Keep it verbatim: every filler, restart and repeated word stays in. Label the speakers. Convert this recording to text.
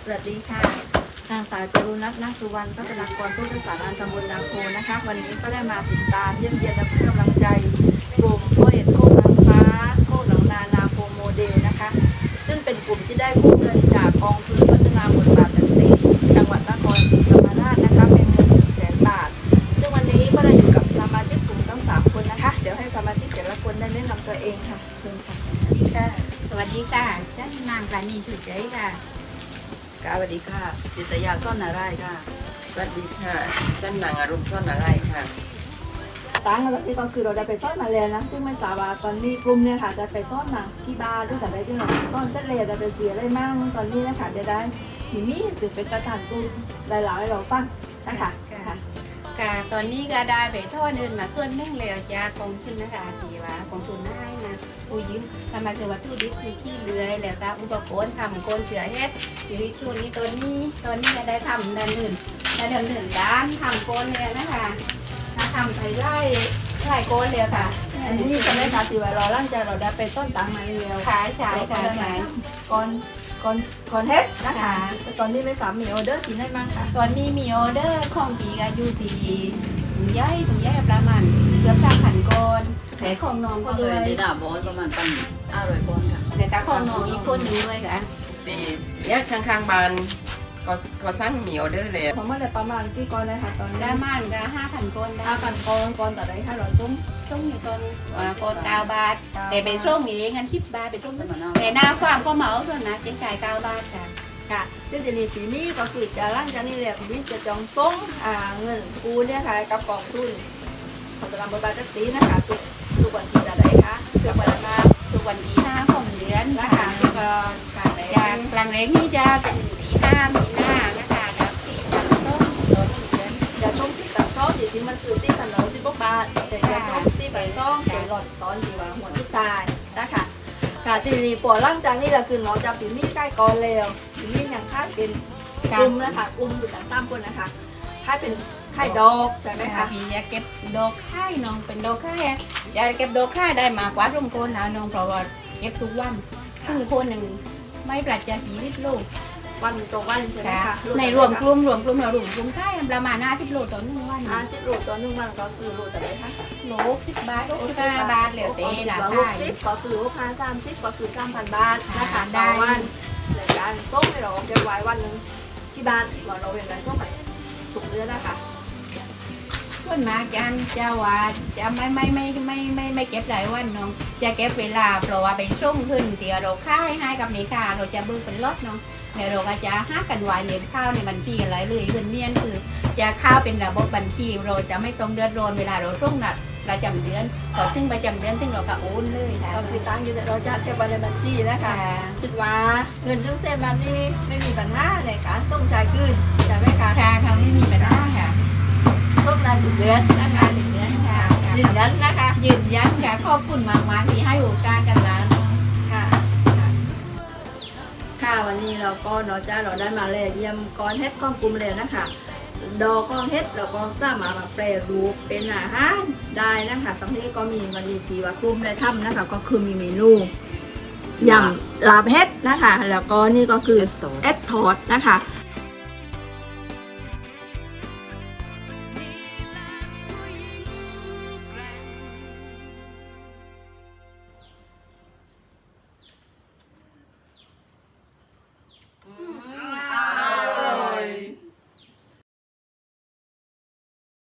Speaker 1: วัสดีค่ะนางสาวจรุณัท นาคสุวรรณ พัฒนากรผู้ประสานงานตำบลนาโพนะคะวันนี้ก็ได้มาติดตามเยี่ยมเยียนและให้กำลังใจกลุ่มโคเอ็ดโคกนางฟ้าโคกหนองนานาโพโมเดลนะคะซึ่งเป็นกลุ่มที่ได้กู้เงินจากกองทุนพัฒนาบทบาทสตรีจังหวัดนครศรีธรรมราชนะคะเป็นเงินหนึ่งแสนบาทซึ่งวันนี้ก็ได้อยู่กับสมาชิกกลุ่มทั้งสามคนนะคะเดี๋ยวให้สมาชิกแต่ละคนได้แนะนำตัวเองค่ะเชิญค่ะ
Speaker 2: สวัสดีค่ะฉันนางปราณีฉุดใจค่ะ
Speaker 1: สวัสดีค่ะจิตยาซ่อนนาไร่ค่ะ
Speaker 3: สวัสดีค่ะฉันนางอารมณ์ซ่อนอะไรค่ะ
Speaker 1: ตั้งแล้วที่ก็คือเราได้ไปต้อนมาแล้วนะซึ่งไม่ทราบว่าตอนนี้กลุ่มเนี่ยค่ะจะไปต้อนมาที่บ้านด้วยแต่ได้ที่เราต้อนเสร็จเลยจะไปเสียอะไรมั่งตอนนี้นะคะเดี๋ยวได้ทีนี้ถือเป็นกระถางกลุ่มหลายๆให้เราฟังนะคะค่ะ
Speaker 2: ค่ะตอนนี้ก็ได้ไปทอดเงินมาส่วนหนึ่งแล้วจากกองทุนนะคะที่ว่ากองทุนให้มาผู้ยืมทำมาคือวัตถุดิบคือขี้เลื้อยแล้วก็อุปกรณ์ทำโกนเชือเฮ็ดอยู่ในช่วงนี้ตอนนี้ตอนนี้ก็ได้ทำด้านหนึ่งได้ดำเนินด้านทำโกนเลยนะคะถ้าทำไปไล่ไล่โกนเลยค่ะ
Speaker 1: อันนี้จะได้ค่ะที่ว่าเราร่างใจเราได้ไปต้นตังมาแล้ว
Speaker 2: ขายขายขายขาย
Speaker 1: ก่อนก่อนก่อนเฮ็ดนะคะแต่ตอนนี้ไม่สามมีออเดอร์กินได้มั้งค่ะ
Speaker 2: ตอนนี้มีออเดอร์ของปีก็อยู่ที่ถุงใหญ่ถุงใหญ่ประมาณเกือบสามพันก้อนแต่ของน้องก็
Speaker 4: ก็เล
Speaker 2: ด้วย ย
Speaker 4: ที่ดาบอสประมาณปันห้าร้อยคนค่ะ
Speaker 2: แต่ก็ของน้องอีกคนหนึงด้วยค่ะ
Speaker 3: ตีเนี่ยข้างๆบ้านก็ก็สร้างมีออเดอร์เลย
Speaker 1: ของมันได้ประมาณกี่ก้อนนะคะตอน
Speaker 2: ป
Speaker 1: นี้
Speaker 2: ระมาณก็ห้าพันก้อนได้
Speaker 1: ห้าพันก้อนก้อนต่อได้ห้าร้อยซุ้ม
Speaker 2: ช่วงอยู่ตอนอ่าก้อนเก้าบาท แต่เป็นช่วงนี้เงินสิบบาทเป็นช่วง
Speaker 4: แต่มันเอา
Speaker 2: แต่หน้าความก็เหมาส่วนนะเจ๊จ่ายเก้าบาทค่ะ
Speaker 1: ค่ะซึ่งจะมีปีนี้ก็คือจะร่างจากนี้แหละปีนี้จะจองส่งอ่าเงินกู้เนี่ยค่ะกับกองทุนของตลาดบทบาทสีนะคะทุกทุกวันที่จะได้ค่ะ
Speaker 2: ทุกวันมาทุกวันที่ห้าของเดือน
Speaker 1: นะ
Speaker 2: นะคะ คะ
Speaker 1: แล้วก็การได้
Speaker 2: จากกลางเร่งนี่จะเป็นที่ห้ามีหน้านะคะแล้วสี่พันต้นต่อหนึ่งเดือน
Speaker 1: จะช่วงที่ตัดซ้อมที่มันคือที่ถนนที่พวกบาทแต่จะช่วงที่ใบซ้อมเป็นหลอดซ้อนที่ว่าหัวทุกตายนะคะค่ะทีนี้ปวดร่างจากนี้แหละคือน้องจะปีนี้ใกล้ก่อนแล้วปีนี้ยังค่ายเป็นกลุ่มนะคะกลุ่มอยู่ต่างตามคนนะคะค่ายเป็นค่ายดอกใช่ไหม
Speaker 2: แม่
Speaker 1: คะ
Speaker 2: ค่ะพี่จะเก็บดอกค่ายน้องเป็นดอกค่ายอะจะเก็บดอกค่ายได้มากกว่าร่มโคนแล้วน้องเพราะว่าเก็บทุกวันซึ่งโคนหนึ่งไม่ปราศจากสีริบลูก
Speaker 1: วันต่อวันใช่ไหม
Speaker 2: ค่ะ
Speaker 1: คะ
Speaker 2: ในรวมกลุ่มรวมกลุ่มเรารวมกลุ่มค่ายประมาณหน้าที่โลต่อหนึ่งวัน
Speaker 1: อาสิบโลต่อหนึ่งวันก็คือโลแต่ไหนคะ
Speaker 2: โลสิบบาทสิบห้าบาทเหลือเตะหลา
Speaker 1: ห
Speaker 2: ค่าย
Speaker 1: สิบก็คือลูกค้าสามสิบก็คือสามพันบาทนะคะ
Speaker 2: ได้
Speaker 1: ต่อวันในการส่งให้เราเก็บไว้วันหนึ่งที่บ้านว่าเราเป็นการส่งไปถูกเดือนนะคะ
Speaker 2: ส่วนมากจะจะว่าจะไม่ไม่ไม่ไม่ไม่ไม่เก็บหลายวันน้องจะเก็บเวลาเพราะว่าไปส่งขึ้นเดี๋ยวเราค่ายให้กับเมค้าเราจะเบิกเป็นรถน้องแล้วเราก็จะหากันไว้เลี้ยงข้าวในบัญชีอะไรเลยเงินเนียนคือจะข้าวเป็นระบบบัญชีเราจะไม่ต้องเดือดร้อนเวลาเราส่งนัดประจำเดือนพอถึงประจำเดือนถึงเราก็โอนเลยค่ะ
Speaker 1: ก็คือตั้งอยู่ในเราจะเก็บไว้ในบัญชีนะคะ
Speaker 2: ค่ะ
Speaker 1: คิดว่าเงินทั้งเส้นบันนี้ไม่มีปัญหาในการส่งชายคืนใช่ไหมคะ
Speaker 2: ค่ะเขาไม่มีปัญหาค่ะ
Speaker 1: ส่งได้ทุกเดือนนะคะ
Speaker 2: ถึงเดือนค่ะ
Speaker 1: ยืนยันนะคะ
Speaker 2: ยืนยันค่ะขอบคุณมากมากๆที่ให้โอกาสกันแล้ว
Speaker 1: ค่ะค่ะวันนี้เราก็เนาะจ้าเราได้มาแลกเยี่ยมก้อนเฮ็ดก้อนกลุ่มเลยนะคะดอกก้อนเฮ็ดเราก็สามารถมาแปรรูปเป็นอาหารได้นะคะตรงนี้ก็มีวันนี้ที่ว่ากลุ่มได้ทำนะคะก็คือมีเมนูยำลาบเฮ็ดนะคะแล้วก็นี่ก็คือแอดทอดนะคะ